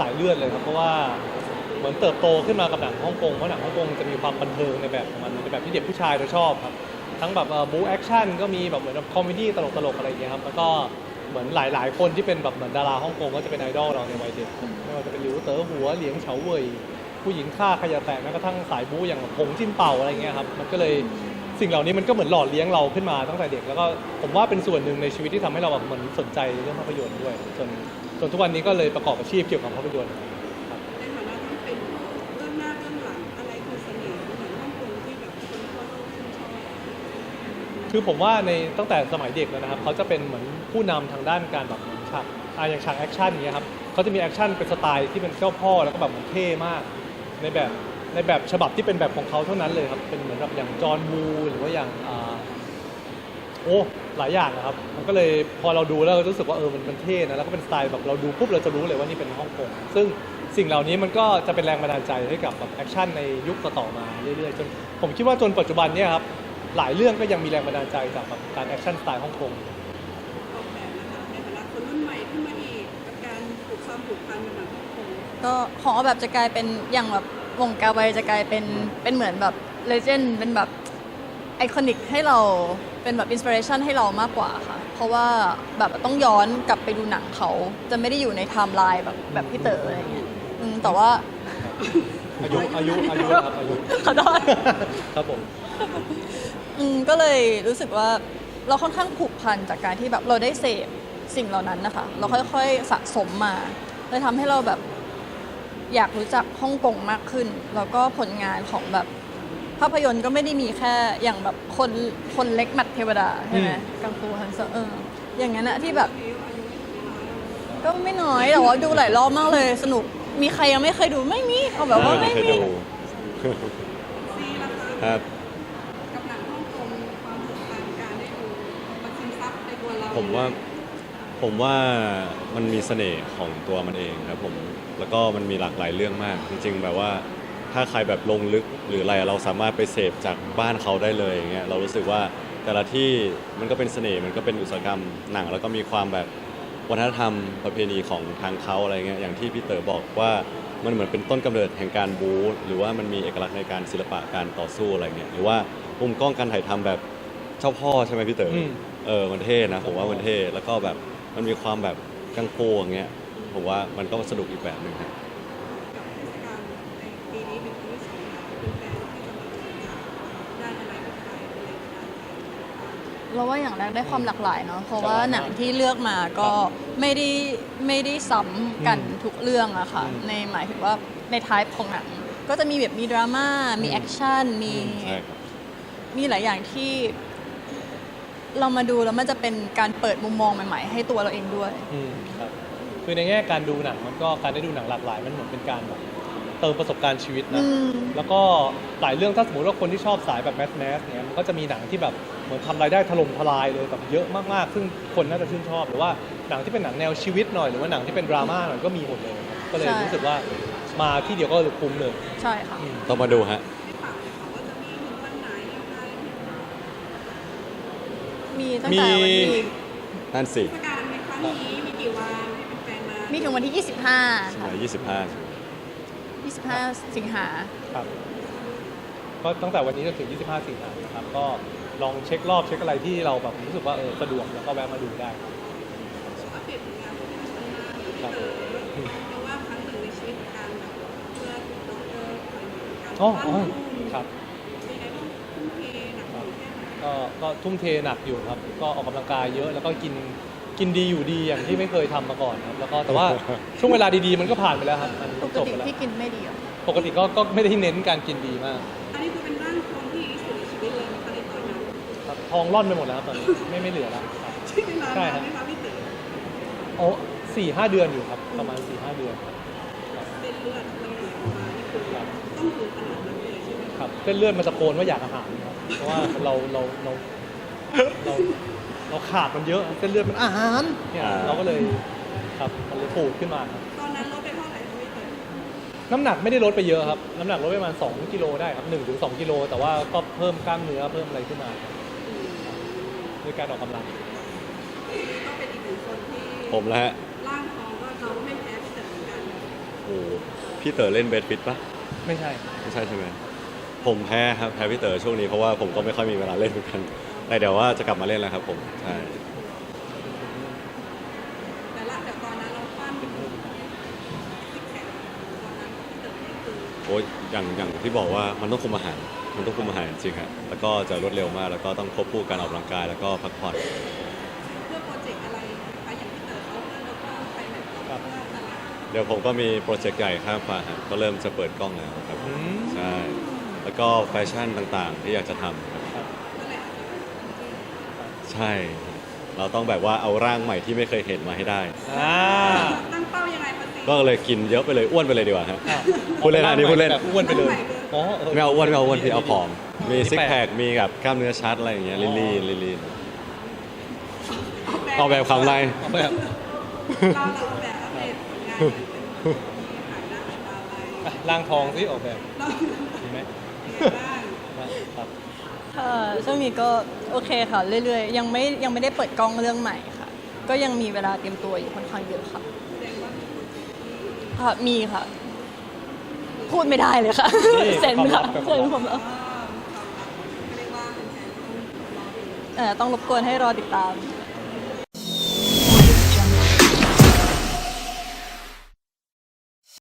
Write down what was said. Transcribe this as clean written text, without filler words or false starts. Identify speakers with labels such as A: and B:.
A: ายเลือดเลยครับเพราะว่าเหมือนเติบโตขึ้นมากับหนังฮ่องกงเพราะหนังฮ่องกงจะมีความบันเทิงในแบบของมันในแบบที่เด็กผู้ชายเราชอบครับทั้งแบบบู๊แอคชั่นก็มีแบบเหมือนคอมเมดี้ตลกอะไรอย่างเงี้ยครับแล้วก็เหมือนหลายๆคนที่เป็นแบบเหมือนดาราฮ่องกงก็จะเป็นไอดอลเราในวัยเด็กไม่ว่าจะเป็นหลิวเต๋อหัวเหลียงเฉาเว่ยผู้หญิงฆ่าขยะแตกแม้กระทั่งสายบู๊อย่างหงจิ้นเป่าอะไรเงี้ยครับมันก็เลยสิ่งเหล่านี้มันก็เหมือนหล่อเลี้ยงเราขึ้นมาตั้งแต่เด็กแล้วก็ผมว่าเป็นส่วนหนึ่งในชีวิตที่ทำให้เราแบบเหมือนสนใจเรื่องภาพยนตร์ด้วยจนทุกวันนี้ก็เลยประกอบอาชีพเกี่ยวกับภาพยนตร์ครับ
B: ในฐานะที่เป็นเบื้องหน้าเบื้องหลังอะไรคือเสน่ห์ของหนังฮ่องกงที่แบบคนทั่วโลกชื่นชอบ
A: คือผมว่าในตั้งแต่สมัยเด็กแล้วนะครับเขาจะเป็นเหมือนผู้นำทางด้านการแบบเหมือนฉากอย่างฉากแอคชั่นอย่างเงี้ยครับเขาจะมีแอคชั่นเป็นสไตล์ที่เป็นเจ้าพ่อแล้วก็แบบเหมือนเท่มากในแบบฉบับที่เป็นแบบของเขาเท่านั้นเลยครับเป็นเหมือนแบบอย่างจอห์นวูหรือว่าอย่างโอ้หลายอย่างนะครับมันก็เลยพอเราดูแล้วเรารู้สึกว่ามันเท่นะแล้วก็เป็นสไตล์แบบเราดูปุ๊บเราจะรู้เลยว่านี่เป็นฮ่องกงซึ่งสิ่งเหล่านี้มันก็จะเป็นแรงบันดาลใจให้กับแบบแอคชั่นในยุคต่อๆมาเรื่อยๆจนผมคิดว่าจนปัจจุบันเนี่ยครับหลายเรื่องก็ยังมีแรงบันดาลใจจากแบบการแอคชั่นสไตล์ฮ่องกง
B: ออกแบบนะคะในฐานะคนรุ่นใหม่ขึ้นมาอีกกับการผูกพันกับหนังฮ่องกง
C: ก็ของออกแบบจะกลายเป็นอย่างแบบวงการไวจะกลายเป็นเหมือนแบบเลเจนด์เป็นแบบไอคอนิกให้เราเป็นแบบอินสปิเรชันให้เรามากกว่าค่ะ เพราะว่าแบบต้องย้อนกลับไปดูหนังเขาจะไม่ได้อยู่ในไทม์ไลน์แบบพี่เต๋ออะไรเงี้ยแต่ว่า
A: อายุครับอายุ
C: ขอโทษ
A: ครับผม
C: ก็เลยรู้สึกว่าเราค่อนข้างผูกพันจากการที่แบบเราได้เสพสิ่งเหล่านั้นนะคะเราค่อยๆสะสมมาเลยทำให้เราแบบอยากรู้จักฮ่องกงมากขึ้นแล้วก็ผลงานของแบบภาพยนตร์ก็ไม่ได้มีแค่อย่างแบบคนเล็กหมัดเทวดาใช่ไหมกังฟูฮันเซอร์อย่างนั้นอะที่แบบก็ไม่น้อยแต่ว่าดูหลายรอบมากเลยสนุกมีใครยังไม่เคยดูไม่มีเอาแบบว่าไม่มี
B: ซีละคะ
D: ครับ
B: กับหนังฮ่องกงความผูกพันการได้ดูมันซึมซับในตัวเรา
D: ผมว่ามันมีเสน่ห์ของตัวมันเองครับผมแล้วก็มันมีหลากหลายเรื่องมาก จริงๆแบบว่าถ้าใครแบบลงลึกหรืออะไรเราสามารถไปเสพจากบ้านเขาได้เลยอย่างเงี้ยเรารู้สึกว่าแต่ละที่มันก็เป็นเสน่ห์มันก็เป็นอุตสาหกรรมหนังแล้วก็มีความแบบวัฒนธรรมประเพณีของทางเขาอะไรเงี้ยอย่างที่พี่เต๋อบอกว่ามันเหมือนเป็นต้นกำเนิดแห่งการบู๊หรือว่ามันมีเอกลักษณ์ในการศิลปะการต่อสู้อะไรเงี้ยหรือว่ามุมกล้องการถ่ายทำแบบเจ้าพ่อใช่ไหมพี่เต๋อมันเท่นะผมว่ามันเท่แล้วก็แบบมันมีความแบบกังฟูอย่างเงี้ยผมว่ามันก็สนุกอีกแบบหนึ่งครับ
B: กับเทศกาลในปีนี้เป็นปีที่สองแล้วเป็นแฟนที่จะมาดูหนังด้านอะไรกับใครอะไรอย่างเงี้ย
C: เราว่าอย่างแรกได้ความหลากหลายเนาะเพราะว่าหนังที่เลือกมาก็ไม่ได้ซ้ำกันทุกเรื่องอะค่ะในหมายถึงว่าในไทป์ของหนังก็จะมีแบบมีดราม่ามีแอคชั่น
D: ใช่ครับ
C: มีหลายอย่างที่เรามาดูแล้วมันจะเป็นการเปิดมุมมองใหม่ๆให้ตัวเราเองด้วย
A: ครับคือในแง่การดูหนังมันก็การได้ดูหนังหลากหลายมันเหมือนเป็นการแบบเติมประสบการณ์ชีวิตนะแล้วก็หลายเรื่องถ้าสมมติว่าคนที่ชอบสายแบบแมสเนี่ยมันก็จะมีหนังที่แบบเหมือนทำรายได้ถล่มทลายเลยแบบเยอะมากๆซึ่งคนน่าจะชื่นชอบหรือว่าหนังที่เป็นหนังแนวชีวิตหน่อยหรือว่าหนังที่เป็นดราม่าหน่อยก็มีหมดเลยครับก็เลย
C: ใช่
A: รู้สึกว่ามาที่เดียวก็คุ้มเลย
C: ใช่ค่ะ
D: ต้องมาดูฮะ
B: ที่ฝากเลยค่ะว่าจะมีถึงวันไหนยังไง
C: มีตั้งแต่วันที่
D: นั่นสิ
B: เทศกาลในครั้งนี้มีกี่วันให้แฟนๆมา
C: มีถึงวันที่ 25
D: ใช่ไห
C: ค่ะ
D: ม
C: 25 สิงหา
A: ครับก็ตั้งแต่วันนี้จนถึง 25 สิงหาคมนะครับก็ลองเช็ครอบเช็คอะไรที่เราแบบรู้สึกว่าสะดวกแล้วก็แวะมาดูได้ครับ
B: อัปเดตผลงานของท่านมาที่เจอเพราะว่าครั้งหนึ่งในชีวิตการแบบเพื่อด็อกเตอร์คอยการ
A: อ๋อ
B: ปั้น
A: ครับ
B: มีไงบ้างทุ่มเทหนักหน่วงแค่ไหน
A: ก็ทุ่มเทหนักอยู่ครับ ก็ออกกำลังกายเยอะแล้วก็กินดีอยู่ดีอย่างที่ไม่เคยทำมาก่อนครับแล้วก็แต่ว่า ช่วงเวลาดีๆมันก็ผ่านไปแล้วครับมัน
C: ปก
A: จบ
C: ติ
A: ไปแล้ว
C: ที่กินไม่ดีเหรอ
A: ปกติก็ไม่ได้เน้นการกินดีมาก
B: อันนี้คือเป็นร่างทองที่ดีที่สุดในชีวิตเลยนะคะในตอนนั้น
A: ครับทองร่อนไปหมดแล้วครับตอนนี้ไม่เหลือแล้วครับ
B: ใช่เวลา
A: ใช่
B: นาน
A: ครับ
B: ไหมคะพี่เต๋อ
A: โอ้4-5 เดือนอยู่ครับประมาณ 4-5 เดือนครับ
B: เส้นเลือดมันไหลออกมานี่คือ
A: ครับ
B: ต้องถึงขนาดนั้นเลยใช่ไหม
A: ค
B: คะ
A: รับเส้นเลือดมันตะโกนว่าอยากอาหารครับเพราะว่าเราขาดมันเยอะเส้นเลือดมันอาหารเนี่ยเราก็เลยครับมันเลยปูดขึ้นมาครับ
B: ตอนนั้นลดไปเท่าไหร่คะพี่เต๋อ
A: น้ำหนักไม่ได้ลดไปเยอะครับน้ำหนักลดไปประมาณ2 กิโลได้ครับ1-2 กิโลแต่ว่าก็เพิ่มกล้ามเนื้อเพิ่มอะไรขึ้นมาครับด้วยการออกกำลัง
B: ก็เป็นอีกหนึ่งคนที่
D: ผมแล้วฮะ
B: ร่างทองก็เราก็ไม่แพ้พี่เต๋อเหมือนกัน
D: พี่เต๋อเล่นเบสฟิตปะ
A: ไม่ใช่
D: ไม่ใช่ใช่ไหมผมแพ้ครับแพ้พี่เต๋อช่วงนี้เพราะว่าผมก็ไม่ค่อยมีเวลาเล่นเหมือนกันแต่เดี๋ยวว่าจะกลับมาเล่นแล้วครับผมใช่
B: แต่ละแต่ตอนนั้นเราปั้นซิกแพคตอนนั้นที่เติมนี่คือ
D: โอ้ยอย่างที่บอกว่ามันต้องคุมอาหารมันต้องคุมอาหารจริงๆครับแล้วก็จะรวดเร็วมากแล้วก็ต้องควบคู่การออกกำลังกายแล้วก็พักผ่อน
B: เพื่อโปรเจกต์อะไรนะคะอย่างที่เติมเขาเพื่อเราก็ไปแบบเราเพื่อตลาด
D: เดี๋ยวผมก็มีโปรเจกต์ใหญ่ข้ามฟ้าครับก็เริ่มจะเปิดกล้องแล้วครับ
A: อืม
D: ใช่แล้วก็แฟชั่นต่างๆ ที่อยากจะทำครับ
B: ก็เลยอาจจะเป็นที่
D: ใช่ เราต้องแบบว่าเอาร่างใหม่ที่ไม่เคยเห็นมาให้ได้
A: อ่า
B: ตั้งเป้ายังไงคะสิ
D: ก็เลยกินเยอะไปเลยอ้วนไปเลยดีกว่าฮะ
A: อ้าว
D: พูดเล่นนะอันนี้พูดเล่น
A: แบบอ้วนไปเลยอ๋อ
D: ไม่เอาอ้วนไม่เอาอ้วนพี่เอาผอม มี
A: อันนี้
D: ซิก
A: แปลก
D: แพคมีแบบกล้ามเนื้อชัดอะไรอย่างเงี้ยลีนลีน
B: อ
D: ออกแบบคำไร
A: เอาแบบ
B: เราออกแบบอัปเดตผลงานมีขายหน้าขายตาอะไร
A: อ่ะร่างทองที่ออกแบบ
B: เรา
A: มีไหม
B: บ้าง
A: ครับ
C: ค่ะช่วงนี้ก็โอเคค่ะเรื่อยๆยังไม่ได้เปิดกล้องเรื่องใหม่ค่ะ ก็ยังมีเวลาเตรียมตัวอยู่ค่อนข้างเยอะค่ะ
B: แสดงว่ามีโปรเจกต์ที่
C: ค่ะมีค่ะ พูดไม่ได้เลยค่ะ
A: นี่
C: เซ็นค่ะ
A: ความลับ
C: เซ็นผมแล้ว
B: ความลับเรียกว่าเป็นแฟนต้องรอดู
C: ต้องรบกวนให้รอติดตาม